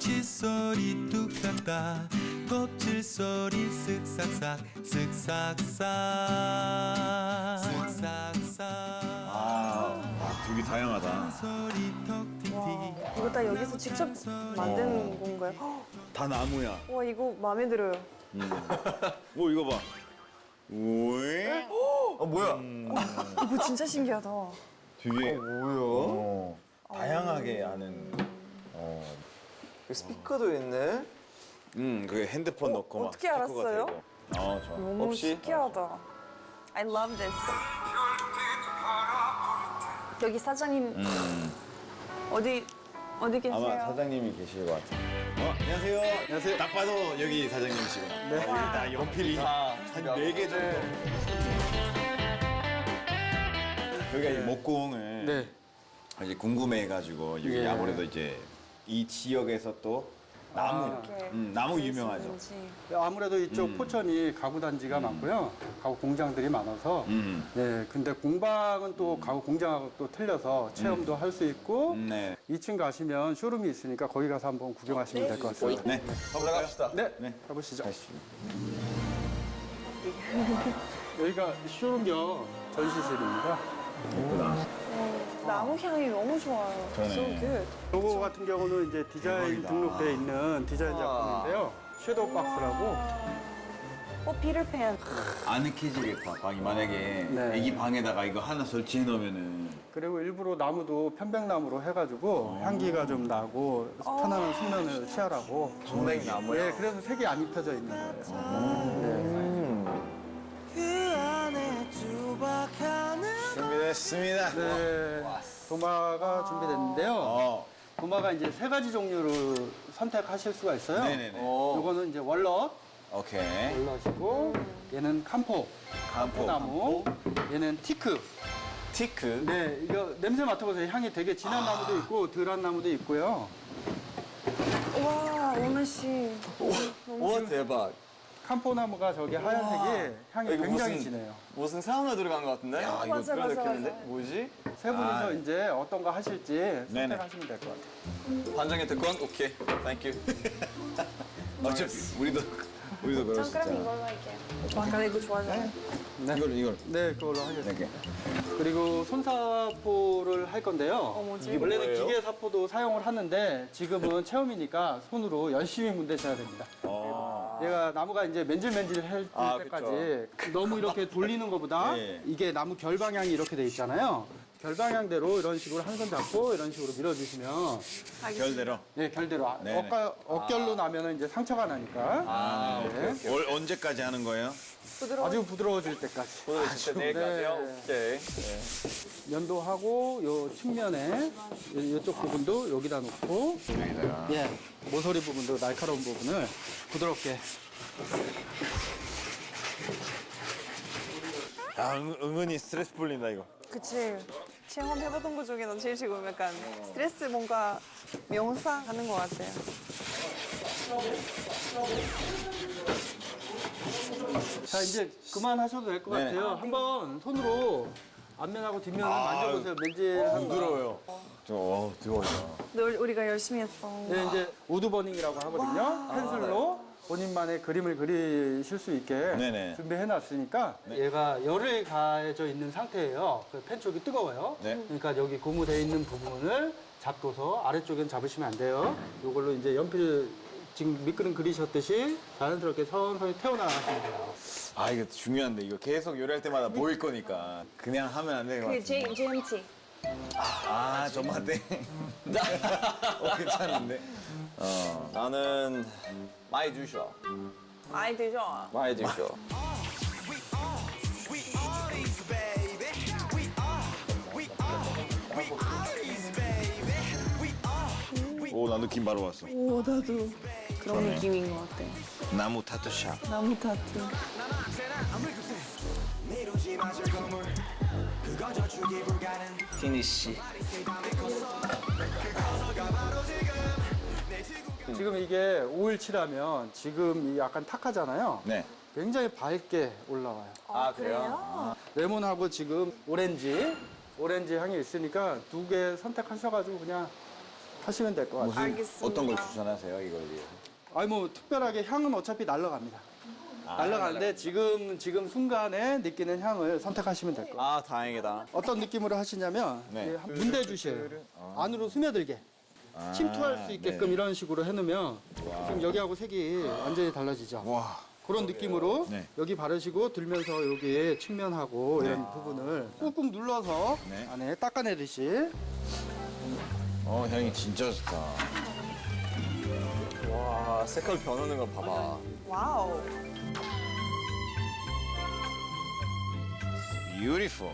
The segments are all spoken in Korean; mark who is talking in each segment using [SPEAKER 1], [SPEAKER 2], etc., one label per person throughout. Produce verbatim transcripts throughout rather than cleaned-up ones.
[SPEAKER 1] 칫솔이 뚝 땄다 껍질 소리 쓱싹싹 쓱싹싹 쓱싹싹
[SPEAKER 2] 아, 되게 다양하다.
[SPEAKER 1] 소리 턱 틱틱
[SPEAKER 3] 이거 다 여기서 직접 만든 건가요?
[SPEAKER 2] 다 나무야.
[SPEAKER 3] 와 이거 마음에 들어요.
[SPEAKER 2] 오, 이거 봐. 오이.
[SPEAKER 4] 어 뭐야?
[SPEAKER 3] 이거 진짜 신기하다.
[SPEAKER 2] 되게
[SPEAKER 4] 뭐야?
[SPEAKER 2] 어, 다양하게 하는. 어.
[SPEAKER 4] 스피커도 있네.
[SPEAKER 2] 음, 그 핸드폰
[SPEAKER 3] 어,
[SPEAKER 2] 넣고 막
[SPEAKER 3] 어떻게
[SPEAKER 2] 스피커가
[SPEAKER 3] 알았어요?
[SPEAKER 2] 되고. 어, 좋아.
[SPEAKER 3] 너무
[SPEAKER 4] 혹시?
[SPEAKER 3] 신기하다. I love this. 여기 사장님
[SPEAKER 2] 음.
[SPEAKER 3] 어디 어디 계세요?
[SPEAKER 2] 아마 사장님이 계실 것 같아. 어, 안녕하세요. 안녕하세요. 딱 봐도 여기 사장님이시구나. 네. 다 연필이
[SPEAKER 4] 다
[SPEAKER 2] 한 네 개 정도. 저희가 이 목공을
[SPEAKER 5] 네.
[SPEAKER 2] 이제 궁금해가지고 여기
[SPEAKER 5] 예.
[SPEAKER 2] 아무래도 이제 이 지역에서 또 나무,
[SPEAKER 3] 이렇게
[SPEAKER 2] 음, 나무 유명하죠.
[SPEAKER 3] 있는지.
[SPEAKER 5] 아무래도 이쪽
[SPEAKER 2] 음.
[SPEAKER 5] 포천이 가구 단지가 많고요. 가구 공장들이 많아서.
[SPEAKER 2] 음.
[SPEAKER 5] 네, 근데 공방은 또 가구 공장하고 또 틀려서 체험도 할 수 있고
[SPEAKER 2] 음, 네.
[SPEAKER 5] 이 층 가시면 쇼룸이 있으니까 거기 가서 한번 구경하시면 될 것 같습니다.
[SPEAKER 2] 네.
[SPEAKER 4] 올라갑시다.
[SPEAKER 5] 네,
[SPEAKER 2] 네.
[SPEAKER 5] 가보시죠.
[SPEAKER 2] 가시죠.
[SPEAKER 5] 여기가 쇼룸 겸 전시실입니다.
[SPEAKER 2] 예쁘다.
[SPEAKER 3] 나무 향이 너무 좋아요.
[SPEAKER 2] 그러네.
[SPEAKER 3] So good.
[SPEAKER 5] 요거 같은 경우는 이제 디자인
[SPEAKER 2] 대박이다.
[SPEAKER 5] 등록되어 있는 디자인
[SPEAKER 4] 우와.
[SPEAKER 5] 작품인데요. 섀도우 박스라고.
[SPEAKER 3] 어 피터팬.
[SPEAKER 2] 안 느끼지겠다. 방이 만약에
[SPEAKER 5] 네.
[SPEAKER 2] 애기 방에다가 이거 하나 설치해 놓으면은
[SPEAKER 5] 그리고 일부러 나무도 편백나무로 해가지고 향기가 좀 나고 편안한 숙면을 취하라고.
[SPEAKER 4] 정맥 나무야.
[SPEAKER 5] 네, 그래서 색이 안 입혀져 있는 거예요.
[SPEAKER 2] 준비됐습니다.
[SPEAKER 5] 네, 도마가 준비됐는데요.
[SPEAKER 2] 어.
[SPEAKER 5] 도마가 이제 세 가지 종류를 선택하실 수가 있어요.
[SPEAKER 2] 네네네.
[SPEAKER 4] 어.
[SPEAKER 5] 요거는 이제 월넛,
[SPEAKER 2] 오케이.
[SPEAKER 5] 월넛이고, 얘는 캄포,
[SPEAKER 2] 캄포,
[SPEAKER 5] 캄포나무, 얘는 티크.
[SPEAKER 4] 티크.
[SPEAKER 5] 네, 이거 냄새 맡아보세요. 향이 되게 진한
[SPEAKER 2] 아.
[SPEAKER 5] 나무도 있고, 덜한 나무도 있고요.
[SPEAKER 3] 와 오늘 씨.
[SPEAKER 4] 와 대박.
[SPEAKER 5] 캄포나무가 저기 하얀색이 향이
[SPEAKER 4] 이거
[SPEAKER 5] 굉장히
[SPEAKER 4] 무슨-
[SPEAKER 5] 진해요.
[SPEAKER 4] 무슨 사우나 들어간 것 같은데?
[SPEAKER 2] 야,
[SPEAKER 3] 이거 맞아,
[SPEAKER 4] 그런
[SPEAKER 3] 맞아,
[SPEAKER 4] 느낌인데?
[SPEAKER 3] 맞아.
[SPEAKER 4] 뭐지?
[SPEAKER 5] 세 분이서
[SPEAKER 2] 아.
[SPEAKER 5] 이제 어떤 거 하실지
[SPEAKER 2] 네네.
[SPEAKER 5] 선택하시면 될 것 같아요.
[SPEAKER 4] 반장의 특권? 오케이. 땡큐.
[SPEAKER 2] 어차피 우리도 우리도 그럴 수
[SPEAKER 3] 전 그럼
[SPEAKER 2] 있잖아.
[SPEAKER 3] 이걸로 할게요. 와 근데 이거 좋아하잖아요.
[SPEAKER 5] 네.
[SPEAKER 2] 이걸 이걸
[SPEAKER 5] 네, 그걸로 하겠습니다.
[SPEAKER 2] 이렇게.
[SPEAKER 5] 그리고 손사포를 할 건데요.
[SPEAKER 3] 어 뭐지?
[SPEAKER 5] 원래는
[SPEAKER 4] 뭐예요?
[SPEAKER 5] 기계 사포도 사용을 하는데 지금은 체험이니까 손으로 열심히 문대셔야 됩니다.
[SPEAKER 2] 어.
[SPEAKER 5] 얘가 나무가 이제 맨질맨질할
[SPEAKER 4] 아,
[SPEAKER 5] 때까지 너무 이렇게 돌리는 것보다
[SPEAKER 2] 예.
[SPEAKER 5] 이게 나무 결 방향이 이렇게 돼 있잖아요. 결 방향대로 이런 식으로 한 손 잡고 이런 식으로 밀어주시면
[SPEAKER 2] 결대로.
[SPEAKER 5] 네, 결대로 아,
[SPEAKER 2] 네네.
[SPEAKER 5] 엇가, 엇결로 나면은 이제 상처가 나니까
[SPEAKER 2] 아,
[SPEAKER 5] 네.
[SPEAKER 2] 오케이, 오케이. 올 언제까지 하는 거예요?
[SPEAKER 3] 부드러워.
[SPEAKER 5] 아주 부드러워질 때까지
[SPEAKER 4] 오늘 진짜 내일까지요?
[SPEAKER 5] 네.
[SPEAKER 4] 오케이.
[SPEAKER 5] 연도하고 요 측면에 요- 요쪽 부분도 여기다 놓고
[SPEAKER 2] 여기다가.
[SPEAKER 5] 예, 모서리 부분도 날카로운 부분을 부드럽게
[SPEAKER 2] 아, 은, 은근히 스트레스 풀린다 이거.
[SPEAKER 3] 그치. 체험해보던 것 중에 난 제일 지금 약간 스트레스 뭔가 명상하는 것 같아요.
[SPEAKER 5] 자 이제 그만하셔도 될 것
[SPEAKER 2] 네네.
[SPEAKER 5] 같아요. 한번 손으로 앞면하고 뒷면을 만져보세요. 맨질한 거.
[SPEAKER 2] 부드러워요. 저 어, 뜨거워요.
[SPEAKER 3] 늘 우리가 열심히 했어.
[SPEAKER 5] 네, 이제 우드버닝이라고 하거든요. 펜슬로 본인만의 그림을 그리실 수 있게
[SPEAKER 2] 네네.
[SPEAKER 5] 준비해놨으니까 얘가 열을 가해져 있는 상태예요. 그 펜 쪽이 뜨거워요.
[SPEAKER 2] 네.
[SPEAKER 5] 그러니까 여기 고무되어 있는 부분을 잡고서 아래쪽엔 잡으시면 안 돼요. 이걸로 이제 연필 지금 밑그림 그리셨듯이 자연스럽게 서서히 태워나가시면 돼요.
[SPEAKER 2] 아, 이거 중요한데 이거 계속 요리할 때마다 보일 거니까 그냥 하면 안 되는 것
[SPEAKER 3] 그게
[SPEAKER 2] 같은데.
[SPEAKER 3] J, 제이엠티.
[SPEAKER 2] 아, tomate. 어, 괜찮은데. 어.
[SPEAKER 4] 나는 많이 주셔.
[SPEAKER 3] 많이 드죠?
[SPEAKER 4] 많이 주셔.
[SPEAKER 2] 오, 나 느낌 바로 왔어.
[SPEAKER 3] 오 나도 그런 느낌인 것 같아.
[SPEAKER 2] 나무 타투샵.
[SPEAKER 3] 나무 타투.
[SPEAKER 4] 피니쉬.
[SPEAKER 5] 지금 이게 오일칠하면 지금 이 약간 탁하잖아요.
[SPEAKER 2] 네.
[SPEAKER 5] 굉장히 밝게 올라와요.
[SPEAKER 4] 아, 그래요?
[SPEAKER 5] 레몬하고 지금 오렌지, 오렌지 향이 있으니까 두 개 선택하셔가지고 그냥 하시면 될 것 같아요.
[SPEAKER 2] 무슨
[SPEAKER 3] 알겠습니다.
[SPEAKER 2] 어떤 걸 추천하세요 이걸 위해서?
[SPEAKER 5] 아니 뭐 특별하게 향은 어차피 날라갑니다. 날라가는데 지금 지금 순간에 느끼는 향을 선택하시면 될 거예요.
[SPEAKER 4] 아, 다행이다.
[SPEAKER 5] 어떤 느낌으로 하시냐면
[SPEAKER 2] 네.
[SPEAKER 5] 예, 문대 주시에요. 안으로 스며들게 침투할 수 있게끔
[SPEAKER 2] 네.
[SPEAKER 5] 이런 식으로 해놓으면 지금 여기하고 색이 완전히 달라지죠.
[SPEAKER 2] 와.
[SPEAKER 5] 그런 느낌으로
[SPEAKER 2] 네.
[SPEAKER 5] 여기 바르시고 들면서 여기 측면하고
[SPEAKER 2] 네.
[SPEAKER 5] 이런 부분을 꾹꾹 눌러서
[SPEAKER 2] 네.
[SPEAKER 5] 안에 닦아내듯이
[SPEAKER 2] 어 향이 진짜 좋다.
[SPEAKER 4] 와, 색깔 변하는 걸 봐봐.
[SPEAKER 3] 와우.
[SPEAKER 2] Beautiful.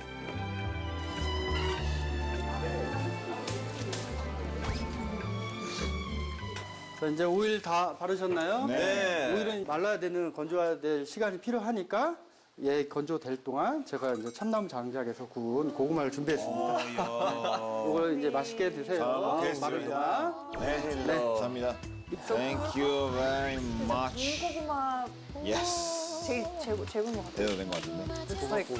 [SPEAKER 5] 자, 이제 오일 다 바르셨나요?
[SPEAKER 2] 네.
[SPEAKER 5] 오일은 말라야 되는 건조해야 될 시간이 필요하니까 얘 건조될 동안 제가 이제 참나무 장작에서 구운 고구마를 준비했습니다. 이걸 이제 맛있게 드세요.
[SPEAKER 2] 잘 먹겠습니다.
[SPEAKER 5] 마를 동안.
[SPEAKER 2] 네. 네. 감사합니다. Thank you very much.
[SPEAKER 3] 군고구마
[SPEAKER 2] Yes.
[SPEAKER 3] 제일 최고 최고인 것 같아요.
[SPEAKER 2] 대도 된 것 같은데.
[SPEAKER 3] 됐어 있고.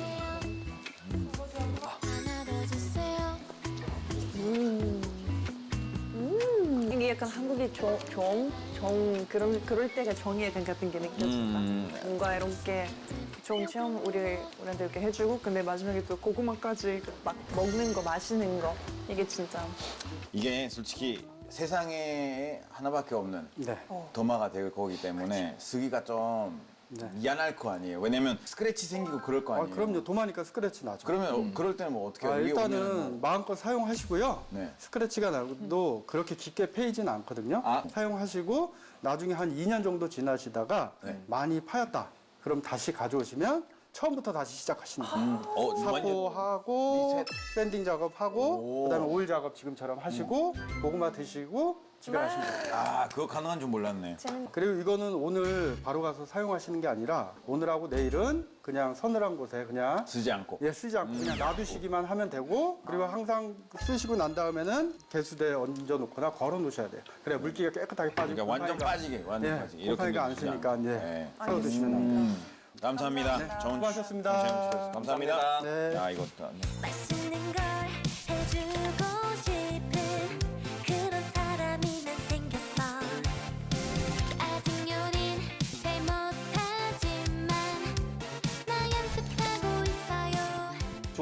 [SPEAKER 3] 음. 이게 약간 한국의 정, 정, 정 그런 그럴 때가 정의 감 같은 게 느껴진다.
[SPEAKER 2] 음.
[SPEAKER 3] 뭔가 이렇게 좋은 체험 우리 우리한테 이렇게 해주고, 근데 마지막에 또 고구마까지 막 먹는 거, 마시는 거, 이게 진짜
[SPEAKER 2] 이게 솔직히 세상에 하나밖에 없는
[SPEAKER 5] 네.
[SPEAKER 2] 도마가 될 거기 때문에 쓰기가 좀
[SPEAKER 5] 네.
[SPEAKER 2] 미안할 거 아니에요. 왜냐면 스크래치 생기고 그럴 거
[SPEAKER 5] 아,
[SPEAKER 2] 아니에요.
[SPEAKER 5] 그럼요. 도마니까 스크래치 나죠.
[SPEAKER 2] 그러면 어, 그럴 때는 뭐 어떻게
[SPEAKER 5] 아,
[SPEAKER 2] 해요? 위에 오면은
[SPEAKER 5] 일단은 마음껏 사용하시고요.
[SPEAKER 2] 네.
[SPEAKER 5] 스크래치가 나도 그렇게 깊게 패이지는 않거든요.
[SPEAKER 2] 아.
[SPEAKER 5] 사용하시고 나중에 한 이 년 정도 지나시다가
[SPEAKER 2] 네.
[SPEAKER 5] 많이 파였다. 그럼 다시 가져오시면 처음부터 다시 시작하시는 거예요.
[SPEAKER 2] 음. 어, 완전
[SPEAKER 5] 사포하고
[SPEAKER 2] 리셋.
[SPEAKER 5] 샌딩 작업하고
[SPEAKER 2] 오.
[SPEAKER 5] 그다음에 오일 작업 지금처럼 하시고 고구마 드시고 집에 가시면 돼요.
[SPEAKER 2] 아, 그거 가능한 줄 몰랐네.
[SPEAKER 3] 재밌.
[SPEAKER 5] 그리고 이거는 오늘 바로 가서 사용하시는 게 아니라 오늘하고 내일은 그냥 서늘한 곳에 그냥
[SPEAKER 2] 쓰지 않고.
[SPEAKER 5] 예, 쓰지 않고 그냥 놔두시기만 하면 되고, 그리고 항상 쓰시고 난 다음에는 개수대에 얹어 놓거나 걸어 놓으셔야 돼요. 그래 물기가 깨끗하게 빠지고
[SPEAKER 2] 그러니까 완전
[SPEAKER 5] 곰팡이가-
[SPEAKER 2] 빠지게, 완전
[SPEAKER 5] 예,
[SPEAKER 2] 빠지게.
[SPEAKER 5] 곰팡이가 안
[SPEAKER 2] 넣어주지
[SPEAKER 5] 쓰니까
[SPEAKER 2] 않고.
[SPEAKER 5] 이제
[SPEAKER 2] 네.
[SPEAKER 5] 썰어 드시면 됩니다.
[SPEAKER 2] 음, 감사합니다. 좋은
[SPEAKER 5] 수고하셨습니다.
[SPEAKER 2] 시간 주셔서 감사합니다.
[SPEAKER 5] 네.
[SPEAKER 2] 야, 이것도. 안 돼.
[SPEAKER 6] 맛있는 걸